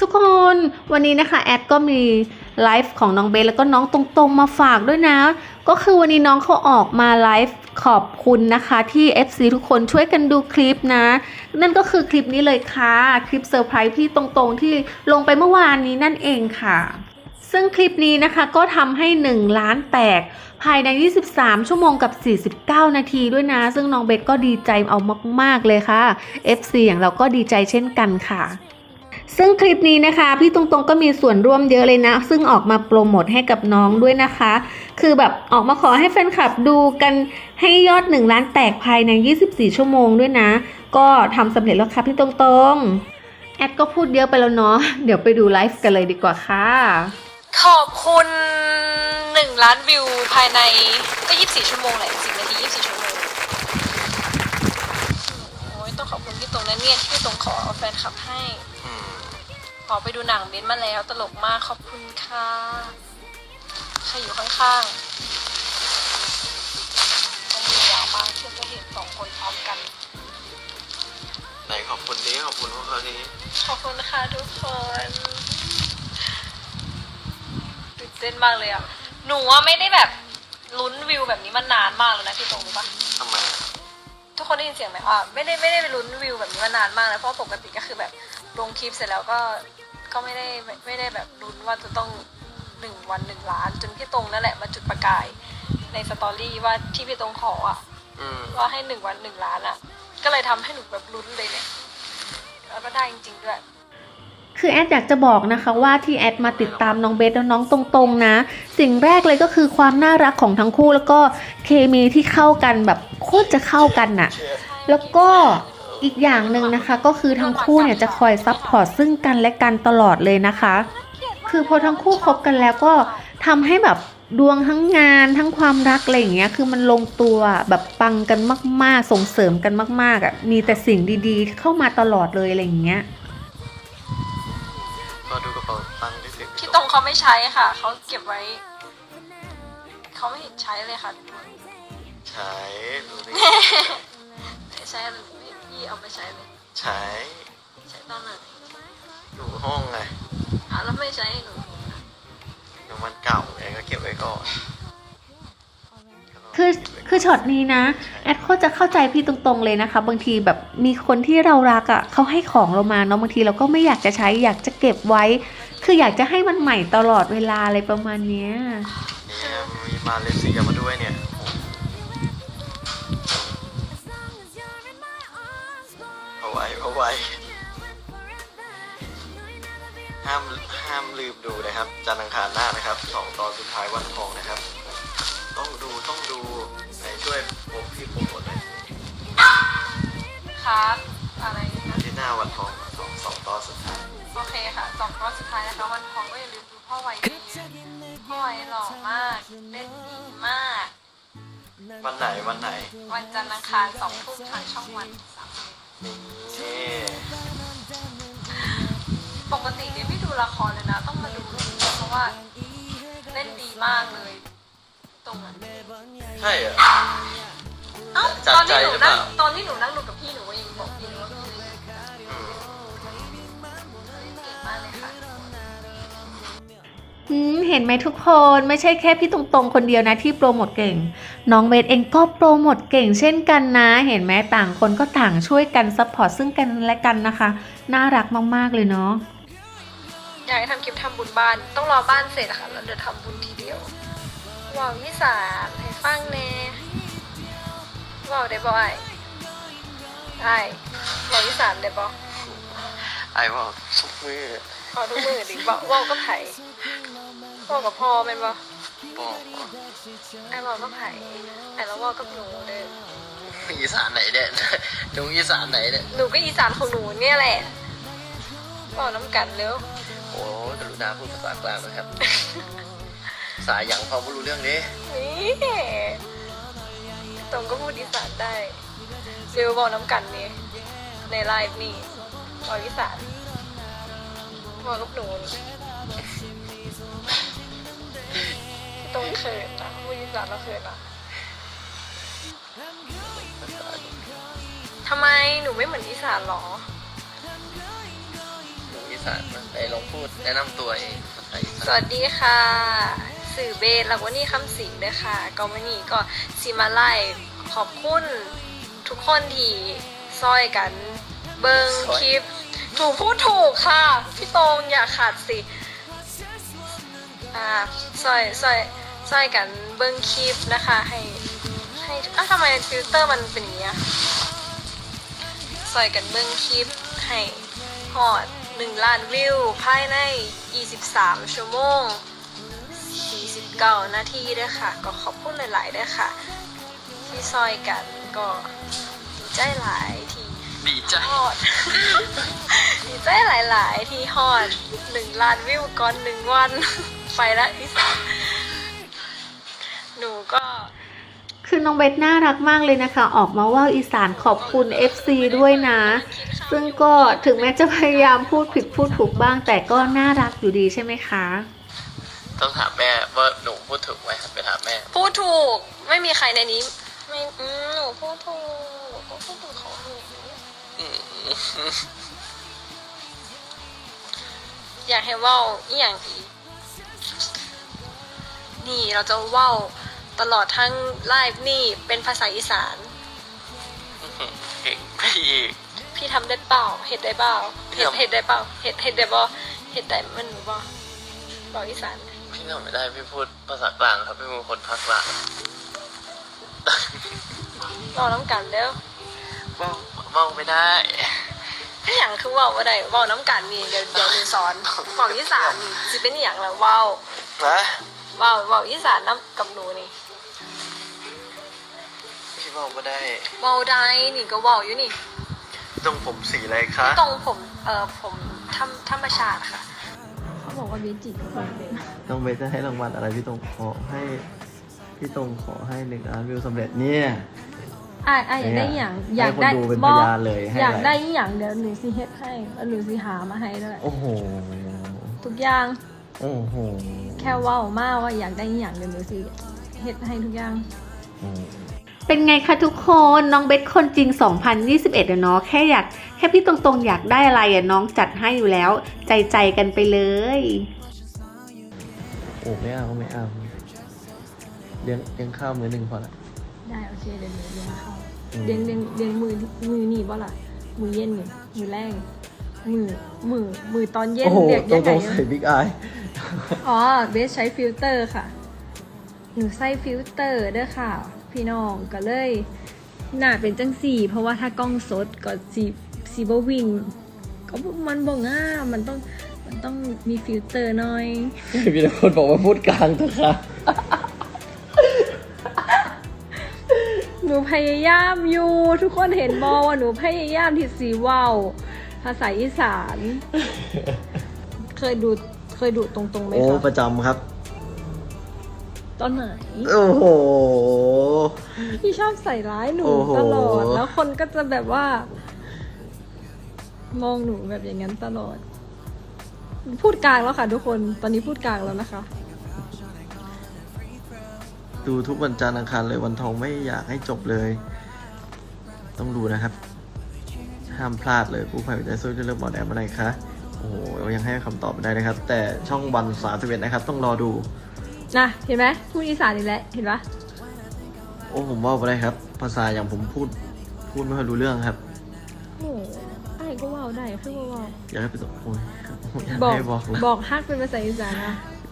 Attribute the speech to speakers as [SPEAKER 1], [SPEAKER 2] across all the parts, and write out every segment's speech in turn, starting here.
[SPEAKER 1] ทุกคนวันนี้นะคะแอดก็มีไลฟ์ของน้องเบสแล้วก็น้องตรงๆมาฝากด้วยนะก็คือวันนี้น้องเขาออกมาไลฟ์ขอบคุณนะคะที่ FC ทุกคนช่วยกันดูคลิปนะนั่นก็คือคลิปนี้เลยค่ะคลิปเซอร์ไพรส์พี่ตรงๆที่ลงไปเมื่อวานนี้นั่นเองค่ะซึ่งคลิปนี้นะคะก็ทำให้1 ล้านแตกภายใน23ชั่วโมงกับ49นาทีด้วยนะซึ่งน้องเบสก็ดีใจเอามากๆเลยค่ะ FC อย่างเราก็ดีใจเช่นกันค่ะซึ่งคลิปนี้นะคะพี่ตรงๆก็มีส่วนร่วมเยอะเลยนะซึ่งออกมาโปรโมทให้กับน้องด้วยนะคะคือแบบออกมาขอให้แฟนคลับดูกันให้ยอด1 ล้านแตกภายใน24ชั่วโมงด้วยนะก็ทำสำเร็จแล้วค่ะพี่ตรงๆแอดก็พูดเยอะไปแล้วเนาะเดี๋ยวไปดูไลฟ์กันเลยดีกว่าค่ะ
[SPEAKER 2] ขอบคุณ1 ล้านวิวภายในก็24ชั่วโมงแหละ10 นาที24ชั่วโมงโอ้ยต้องขอบคุณพี่ตรงนั้นเนี่ยที่พี่ตรงขอแฟนคลับให้ขอไปดูหนังเบนมาแล้วตลกมากขอบคุณค่ะใครอยู่ข้างๆต้องมียาวมากที่จะเห็น2 คนพร้อมกัน
[SPEAKER 3] ไหนขอบคุณนี้ขอบคุณพวกเขานี้
[SPEAKER 2] ขอบคุณค่ะทุกคนตื่นเต้นมากเลยอ่ะหนูว่าไม่ได้แบบลุ้นวิวแบบนี้มานานมากแล้วนะพี่ตรงรู้ปะ
[SPEAKER 3] ทำไม
[SPEAKER 2] ทุกคนได้ยินเสียงไหมไม่ได้ไปลุ้นวิวแบบนี้มานานมากแล้วเพราะปกติก็คือแบบลงคลิปเสร็จแล้วก็ไม่ได้แบบลุ้นว่าจะต้อง1 วัน 1 ล้านจนพี่ตรงนั่นแหละมาจุดประกายในสตอรี่ว่าที่พี่ตรงขอว่าให้1 วัน 1 ล้านก็เลยทำให้หนูแบบลุ้นเลยเนี่ยแล้วก็ได้จริงๆด้วย
[SPEAKER 1] คือแอดอยากจะบอกนะคะว่าที่แอดมาติดตามน้องเบสและน้องตรงๆนะสิ่งแรกเลยก็คือความน่ารักของทั้งคู่แล้วก็เคมีที่เข้ากันแบบโคตรจะเข้ากันน่ะแล้วก็อีกอย่างหนึ่งนะคะก็คือทั้งคู่เนี่ยจะคอยซัพพอร์ตซึ่งกันและกันตลอดเลยนะคะคือพอทั้งคู่คบกันแล้วก็ทำให้แบบดวงทั้งงานทั้งความรักอะไรอย่างเงี้ยคือมันลงตัวแบบปังกันมากๆส่งเสริมกันมากๆมีแต่สิ่งดีๆเข้ามาตลอดเลยอะไรอย่างเงี้ย
[SPEAKER 3] ก็ดูกระเป๋าตังค์ที่สิ
[SPEAKER 2] พี่ตรงเขาไม่ใช้ค่ะเขาเก็บไว้เขาไม่เห็นใช้เลยค่ะ
[SPEAKER 3] ใช้ดูดิ
[SPEAKER 2] ใช้อะไรพี่เอาไปใช้เลย
[SPEAKER 3] ใช้
[SPEAKER 2] ตอนไหน
[SPEAKER 3] อยู่ห้องไง
[SPEAKER 2] แล้วไม่ใช้หนู
[SPEAKER 3] มันเก่าไงก็เก็บไว้ก่อน
[SPEAKER 1] คือช็อตนี้นะแอดก็จะเข้าใจพี่ตรงๆเลยนะคะบางทีแบบมีคนที่เรารักเขาให้ของเรามาเนาะบางทีเราก็ไม่อยากจะใช้อยากจะเก็บไว้คืออยากจะให้มันใหม่ตลอดเวลาอะไรประมาณเนี้ย
[SPEAKER 3] มีมาเลเซียมาด้วยเนี่ยเอาไว้ห้ามลืมดูนะครับจันทร์อังคารหน้านะครับ2 ตอนสุดท้ายวันทองนะครับต้องดูไหนช่วยพี่โปรโมทหน่อย
[SPEAKER 2] ครับอะไรนะ
[SPEAKER 3] ที่หน้าวันทองสองตอนสุดท้าย
[SPEAKER 2] โอเคค่ะ2 ตอนสุดท้ายนะคะวันทองก็อย่าลืมดูพ่อไวดีพ่อไวหล่อมากเล่นดีมาก
[SPEAKER 3] วันไหน
[SPEAKER 2] วันจันทร์อังคาร2 ทุ่มทางช่องวันปกติเนี่ยไม่ดูละครเลยนะต้องมาดูเพราะว่าเล่นดีมากเลยตรงนั้น
[SPEAKER 3] ใช่เหรอ
[SPEAKER 2] ตอนที่หนูนั่งดูกับพี่หนูก็ยังบอกพี่ว่าพี่เล่นเก่งมากเลยค่ะ
[SPEAKER 1] เห็นไหมทุกคนไม่ใช่แค่พี่ตรงๆคนเดียวนะที่โปรโมทเก่งน้องเบสเองก็โปรโมทเก่งเช่นกันนะเห็นไหมต่างคนก็ต่างช่วยกันซัพพอร์ตซึ่งกันและกันนะคะน่ารักมากๆเลยเนาะ
[SPEAKER 2] อยากให้ทำคลิปทำบุญบ้านต้องรอบ้านเสร็จค่ะแล้วเดี๋ยวทำบุญทีเดียวว่าวอีสานให้ฟังแน่ว่าวได้บ่อยว่าวอีสานได้บ่
[SPEAKER 3] ว่าทุกมือ
[SPEAKER 2] ทุกมือดิว่าวก็ไผ่ว่าวกับพ่อเป็นบ่ว่าวก็ไผ่แล้วว่าวกับหนูเด้อ
[SPEAKER 3] อีสานไหนเด้หนูอีสานไหนเด้
[SPEAKER 2] หนูก็อีสานของหนูเนี่ยแหละว่าวน้ำกันเร็ว
[SPEAKER 3] โอ้กรุณาพูดภาษากลางนะครับสายอย่างพอไม่รู้เรื่องนี้
[SPEAKER 2] ตรงก็พูดอีสานได้เร็วบอกน้ำกันนี่ในไลฟ์นี่บอกอีสานบอกกับหนูตรงเขินนะพูดอีสานแล้วเขินนะทำไมหนูไม่เหมือนอีสานหรอ
[SPEAKER 3] หนูอีสานมาไปลองพูดแนะนำตัวเองภาษาอีสาน
[SPEAKER 2] สวัสดีค่ะ สื่อเบสแล้ววันนี้คำสิงเด้อค่ะก็วันนี้ก็สิมาไล่ขอบคุณทุกคนที่ซอยกันเบิงคลิปถูกพูดถูกค่ะพี่ตรงอย่าขาดสิซอยกันเบิงคลิปนะคะให้ทำไมฟิลเตอร์มันเป็นอย่างนี้อะซอยกันเบิงคลิปให้ฮอด1 ล้านวิวภายใน23 ชั่วโมง49 นาทีด้วยค่ะก็ขอบคุณหลายๆด้วยค่ะที่ซอยกันก็ดีใจหลายที่
[SPEAKER 3] ดีใจ
[SPEAKER 2] ฮอด ดีใจหลายๆที่ฮอด1 ล้านวิวก่อน1 วัน ไปละอีสานหนูก็
[SPEAKER 1] คือน้องเบสน่ารักมากเลยนะคะ ออกมาว่าอีสานขอบคุณ FC ด้วยนะ ซึ่งก็ถึงแม้จะพยายามพูดผิดพูดถูกบ้าง แต่ก็น่ารักอยู่ดีใช่ไหมคะ
[SPEAKER 3] ต้องถามแม่ว่าหนูพูดถูกไหมครับไปถามแม่
[SPEAKER 2] พูดถูกไม่มีใครในนี้ไม่หนูพูดถูกหนูก็พูดถูกของหนูอยากให้เว้าอีหยังอีกนี่เราจะเว้าตลอดทั้งไลฟ์นี่เป็นภาษาอีสาน
[SPEAKER 3] เก่งไปอีก
[SPEAKER 2] พี่ทำได้เปล่าเห็ดได้เปล่าเห็ดได้เปล่าเห็ดได้บ่เห็ดได้มันหนูบ่บอกอีสาน
[SPEAKER 3] พี่ทำไม่ได้พี่พูดภาษากลางครับพี่เป็นคนภาคกลาง
[SPEAKER 2] บอกน้ำกันเด้อ
[SPEAKER 3] เมาไม่ได้
[SPEAKER 2] อีหยังคือเว้าบ่ได้เว้าน้ำกันนี่เดี๋ยวหนูสอนบอกอีสานนี่สิเป็นอีหยังล่ะเว้า
[SPEAKER 3] นะ
[SPEAKER 2] เว้าอีสานน้ำกับหนูนี่
[SPEAKER 3] พี่เมาไม่ได้
[SPEAKER 2] เว้าได้นี่ก็เว้าอยู่นี่
[SPEAKER 3] ต้องผมสีอะไรคะ
[SPEAKER 2] ตรงผมธรรมชาติค่ะเขาบอกว่าเบจิก
[SPEAKER 3] ต้องเบสจะให้รางวัลอะไรพี่ตรงขอให้พี่ตรงขอให้1 ล้านวิวสำเร็จเนี่ย
[SPEAKER 2] อยากได้อย่าง
[SPEAKER 3] ให้คนดูเป็นพยานเลยให้
[SPEAKER 2] อยาก
[SPEAKER 3] อะไร
[SPEAKER 2] ได้อย่างเดี๋ยวหนูสิเฮ็ดให้แล้วหนูสิหามาให้ด้วย
[SPEAKER 3] โอ้โห
[SPEAKER 2] ทุกอย่าง
[SPEAKER 3] โอ้โห
[SPEAKER 2] แค่เว้ามาว่าอยากได้อย่างเดี๋ยวหนูสิเฮ็ดให้ทุกอย่าง
[SPEAKER 1] เป็นไงคะทุกคนน้องเบสคนจริง 2021อะเนาะแค่พี่ตรงๆอยากได้อะไรอะน้องจัดให้อยู่แล้ว ใจกันไปเลย
[SPEAKER 3] โอ้ไม่เอาไม่เอาเลี้ยงข้าวมื้อ1พอละ
[SPEAKER 2] ได้โอเคเดี๋ยวหนูเลี้ยงข้าว
[SPEAKER 3] อืม
[SPEAKER 2] เลี้ยงมือนี่บ่ล่ะมือเย็นนี่มือแรงมือตอนเย็น
[SPEAKER 3] โอ้โห
[SPEAKER 2] เรียก
[SPEAKER 3] ตร
[SPEAKER 2] ยังไง
[SPEAKER 3] งๆใส่บิ๊กอาย
[SPEAKER 2] อ๋อเบสใช้ฟิลเตอร์ค่ะหนูใส่ฟิลเตอร์เด้อค่ะพี่น้องก็เลยหน้าเป็นจังสี่เพราะว่าถ้ากล้องสดก็สีบวิ่งก็มันบ่ง่ามันต้องมีฟิลเตอร์หน่อย
[SPEAKER 3] มีแต่คนบอกว่าพูดกลางเถอะค่ะ
[SPEAKER 2] หนูพยายามอยู่ทุกคนเห็นบอว่าหนูพยายามที่สีว่าวภาษาอีสาน เคยดูตรงๆไหม
[SPEAKER 3] โอ้
[SPEAKER 2] คะ
[SPEAKER 3] ประจำครับ
[SPEAKER 2] ตอนไหน
[SPEAKER 3] โอ้โห
[SPEAKER 2] พี่ชอบใส่ร้ายหนู
[SPEAKER 3] โอ้โห
[SPEAKER 2] ตลอดแล้วคนก็จะแบบว่า มองหนูแบบอย่างนั้นตลอด พูดกลางแล้วค่ะทุกคนตอนนี้พูดกลางแล้วนะคะ
[SPEAKER 3] ดูทุกวันจันทร์อังคารเลยวันทองไม่อยากให้จบเลย ต้องดูนะครับ ห้ามพลาดเลยผู้ภัยใจสู้จะเริ่มบอลแอมอะไรคะโอ้โหยังให้คำตอบไม่ได้นะครับ แต่ช่องวัน31นะครับ ต้องรอดู
[SPEAKER 2] นะเห็นไหมพูดอีสานอีกแล้วเห็นปะ
[SPEAKER 3] โอ้ผมว่าไปได้ครับ ภาษาอย่างผมพูดไม่ค่อยรู้เรื่องครับ
[SPEAKER 2] โอ้ไอ้ก็ว่าวได้คือว่าว
[SPEAKER 3] อยากให้ไปตกโอ้ยอยาก
[SPEAKER 2] บอก
[SPEAKER 3] ให้บอกเลย
[SPEAKER 2] บอกฮักเป็นภาษาอีสานนะ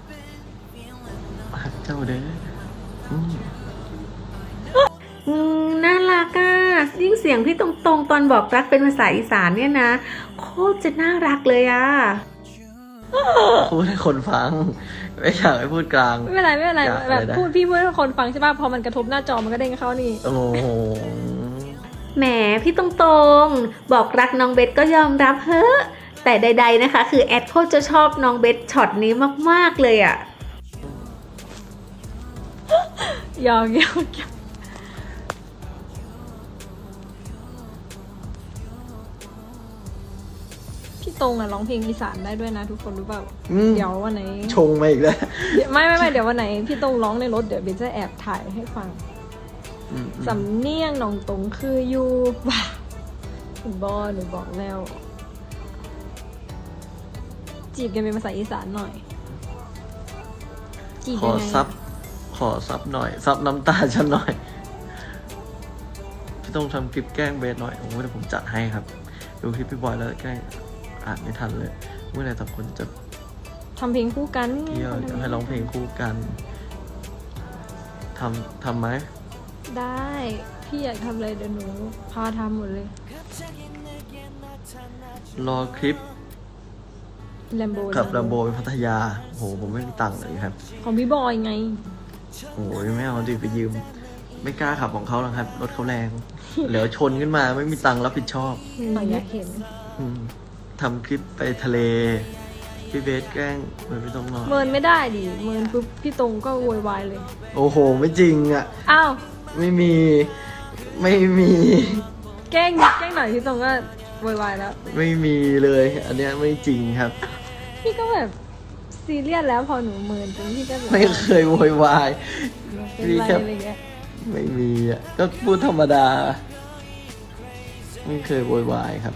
[SPEAKER 3] เจ้าเด้ออืม
[SPEAKER 1] น่ารักอะยิ่งเสียงพี่ตรงๆตอนบอกรักเป็นภาษาอีสานเนี่ยนะโคตรจะน่ารักเลยอะ
[SPEAKER 3] พูดให้คนฟัง ไม่อยากให้พูดกลาง
[SPEAKER 2] ไม่เป็นไรไม่เป็นไร
[SPEAKER 3] อยาก
[SPEAKER 2] แบบ
[SPEAKER 3] อะไรนะ
[SPEAKER 2] พูดพี่พูดให้คนฟังใช่ป่ะพอมันกระทบหน้าจอมันก็เด้งเข้านี่
[SPEAKER 3] โอ้โห
[SPEAKER 1] แหมพี่ตรงๆบอกรักน้องเบสก็ยอมรับเฮ้อะแต่ใดๆนะคะ คือแอดโคตรจะชอบน้องเบสช็อตนี้มากๆเลยอะ
[SPEAKER 2] ยอมพี่ตรงอะร้องเพลงอีสานได้ด้วยนะทุกคนรู้เปล่า
[SPEAKER 3] อืม
[SPEAKER 2] เดี๋ยววันไหน
[SPEAKER 3] ชงมาอีกแล้ว
[SPEAKER 2] ไม่เดี๋ยววันไหนพี่ตรงร้องในรถเดี๋ยวเบนจะแอบถ่ายให้ฟัง สำเนียงน้องตรงคืออยู่ว้าคุณบอหนูบอกแล้วจีบกันเป็นภาษาอีสานหน่อยจีบ
[SPEAKER 3] ข
[SPEAKER 2] ยั
[SPEAKER 3] อง
[SPEAKER 2] ไง
[SPEAKER 3] ซับหน่อย ซับน้ำตาฉันหน่อย พี่ต้องทำคลิปแกล้งเบสหน่อยโอ้โหเดี๋ยวผมจัดให้ครับ ดูคลิปพี่บอยแล้วแกล้งอ่านไม่ทันเลย เมื่อไหร่ต่างคนจะ
[SPEAKER 2] ทำเพลงคู่กัน
[SPEAKER 3] เที่ยวจะให้ร้องเพลงคู่กัน ทำไหม
[SPEAKER 2] ได้พี่อยากทำอะไรเดี๋ยวหนูพาทำหมดเลย
[SPEAKER 3] รอคลิป
[SPEAKER 2] แลมโบ
[SPEAKER 3] กับลำโบไปพัทยาโหผมไม่มีตังค์เลยครับ
[SPEAKER 2] ของพี่บอยไง
[SPEAKER 3] โอ้ยไม่เอาดิไปยืม ไม่กล้าขับของเขาหรอกครับ รถเขาแรง เดี๋ยวชนขึ้นมาไม่มีตังค์รับผิดชอบ
[SPEAKER 2] อยากเห็น
[SPEAKER 3] อืมทำคลิปไปทะเล พี่เบสแกล้งไม่ต้องนอน
[SPEAKER 2] เมินไม่ได้ดิเมินปุ๊บพี่ตรงก็โวยวายเลย
[SPEAKER 3] โอ้โห ไม่จริงอ่ะ
[SPEAKER 2] อ้าว
[SPEAKER 3] ไม่มี
[SPEAKER 2] แกล้งหน่อยพี่ตรงก็โวยวายแล้ว
[SPEAKER 3] ไม่มีเลย อันเนี้ยไม่จริงครับ
[SPEAKER 2] พี่ก็แบบซีเรียสแล้วพอหนูเมินจนพี่ก็แบบ
[SPEAKER 3] ไม่เคยโวยวาย
[SPEAKER 2] เป็น
[SPEAKER 3] พี่
[SPEAKER 2] ไร
[SPEAKER 3] แค่
[SPEAKER 2] อะไรเงี้ย
[SPEAKER 3] ไม่มีอ่ะ ก็พูดธรรมดา ไม่เคยโวยวายครับ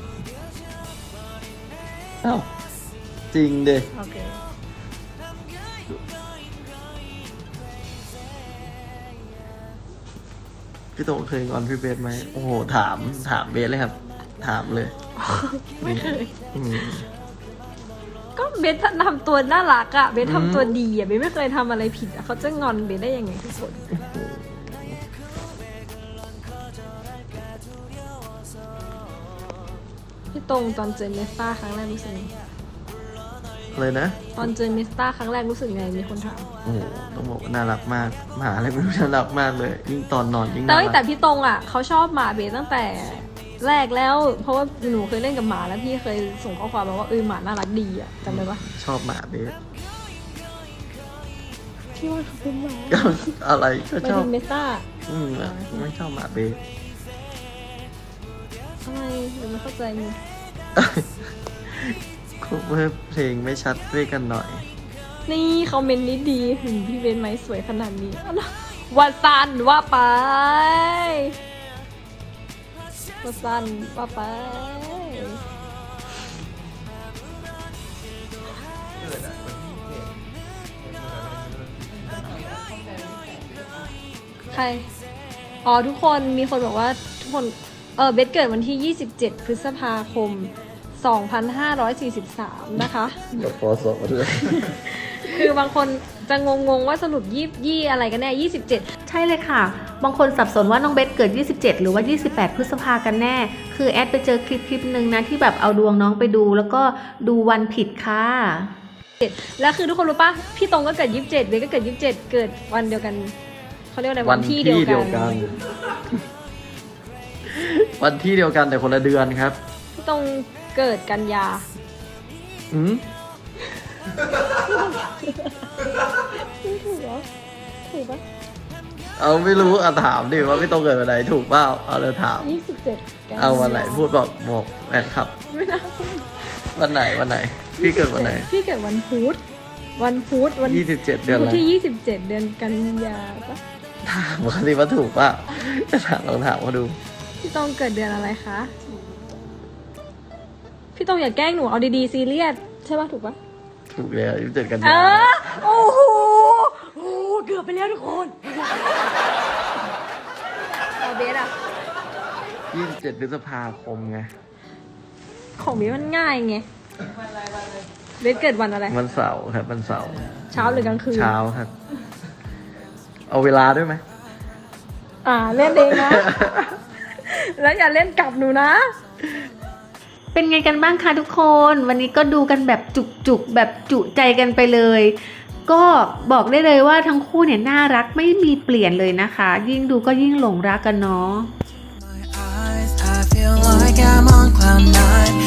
[SPEAKER 3] อ้าวจริงเด้
[SPEAKER 2] โอเค
[SPEAKER 3] พี่โตเคยงอนพี่เบสไหมโอ้โหถามเบสเลยครับ ถามเลย
[SPEAKER 2] ไม่เคย
[SPEAKER 3] อืม
[SPEAKER 2] ก็เบสทำตัวน่ารักอะเบสทำตัวดีอะเบสไม่เคยทำอะไรผิดอะเขาจะงอนเบสได้ยังไงทุกคนพี่ตรงตอนเจอเนสตาครั้งแรกรู้สึกไง
[SPEAKER 3] เลยนะ
[SPEAKER 2] ตอนเจอเนสตาครั้งแรกรู้สึกไงมีคนถาม
[SPEAKER 3] โอ้โหต้องบอกว่าน่ารักมากหมาอะไรไม่รู้น่ารักมากเลย ยิ่งตอนนอนยิ่ง
[SPEAKER 2] แต่
[SPEAKER 3] น่า
[SPEAKER 2] แต่
[SPEAKER 3] รัก
[SPEAKER 2] พี่ตรงอ่ะเขาชอบหมาเบสตั้งแต่แรกแล้ว เพราะว่าหนูเคยเล่นกับหมาแล้วพี่เคยส่งข้อความมาว่าหมาน่ารักดีอ่ะจำได้ปะ
[SPEAKER 3] ชอบหมาเบส
[SPEAKER 2] พี่ว่าเขาเป็นหมา
[SPEAKER 3] ก็อะไรก็
[SPEAKER 2] ไม่
[SPEAKER 3] ชอบ
[SPEAKER 2] ถึงเมซ่า
[SPEAKER 3] ไม่ชอบหมาเบส
[SPEAKER 2] ทำไมหนูไม่เข้าใจมึง
[SPEAKER 3] คุเพื่อเพลงไม่ชัดด้วยกันหน่อย
[SPEAKER 2] นี่คอมเมนต์นี้ดีพี่เบนไหมสวยขนาดนี้อ้าวว่าซันว่าไปว่าซันว่าไปใครอ๋อทุกคนมีคนบอกว่าทุกคนเบสเกิดวันที่ 27 พฤษภาคม 2543 นะคะ
[SPEAKER 3] เดี๋ยวพอสอบมาด้วย
[SPEAKER 2] คือบางคนจะงงๆว่าสรุปยี่อะไรกันแน่ 27
[SPEAKER 1] ใช่เลยค่ะ บางคนสับสนว่าน้องเบสเกิด 27 หรือว่า 28 พฤษภากันแน่ คือแอดไปเจอคลิปหนึ่งนะที่แบบเอาดวงน้องไปดูแล้วก็ดูวันผิดค่ะ
[SPEAKER 2] แล้วคือทุกคนรู้ปะพี่ตรงก็เกิด 27 เบสก็เกิด 27 เกิดวันเดียวกันเขาเรียกอะไร
[SPEAKER 3] วันที่เดียวกัน วันที่เดียวกันแต่คนละเดือนครับ
[SPEAKER 2] พี่ตรงเกิดกันยา
[SPEAKER 3] อืม
[SPEAKER 2] ถูกเหรอถูกปะ
[SPEAKER 3] เอาไม่รู้อ่ะถามดิว่าพี่โตเกิดวันไหนถูกเปล่าเอาเลยถาม
[SPEAKER 2] 27 กันยา
[SPEAKER 3] เอาวันไหนพูดบอกแฟนคลับ
[SPEAKER 2] ไม่น่า
[SPEAKER 3] วันไหนพี่เกิดวันไหน
[SPEAKER 2] พี่เกิดวันพุธวัน
[SPEAKER 3] 27 เดือน
[SPEAKER 2] พุ
[SPEAKER 3] อะ
[SPEAKER 2] ธ
[SPEAKER 3] ไร
[SPEAKER 2] ที่ 27 เดือนกันยาปะ
[SPEAKER 3] ถามเขาสิว่าถูกเปล่าจะถามลองถามเขาดู
[SPEAKER 2] พี่ตรงเกิดเดือนอะไรคะ พี่ตรงอย่าแกล้งหนูเอาดีๆซีเรียสใช่ปะถูกปะ
[SPEAKER 3] ถูกแล้ว27 กัน
[SPEAKER 2] เอย
[SPEAKER 3] า
[SPEAKER 2] โอ้โหเกือบไปแล้วทุกคนเอาเบสอะ
[SPEAKER 3] 27 พฤษภาคมไง
[SPEAKER 2] ของเบสมันง่ายไงเบสเกิดวันอะไร
[SPEAKER 3] วันเสาร์ครับวันเสาร์
[SPEAKER 2] เช้าหรือกลางคืน
[SPEAKER 3] เช้าครับ เอาเวลาด้วยไหม
[SPEAKER 2] เล่นเองนะ แล้วอย่าเล่นกลับหนูนะ
[SPEAKER 1] เป็นไงกันบ้างคะทุกคน วันนี้ก็ดูกันแบบจุกๆแบบจุใจกันไปเลย ก็บอกได้เลยว่าทั้งคู่เนี่ยน่ารักไม่มีเปลี่ยนเลยนะคะ ยิ่งดูก็ยิ่งหลงรักกันเนาะ
[SPEAKER 4] I feel like I'm on cloud nine.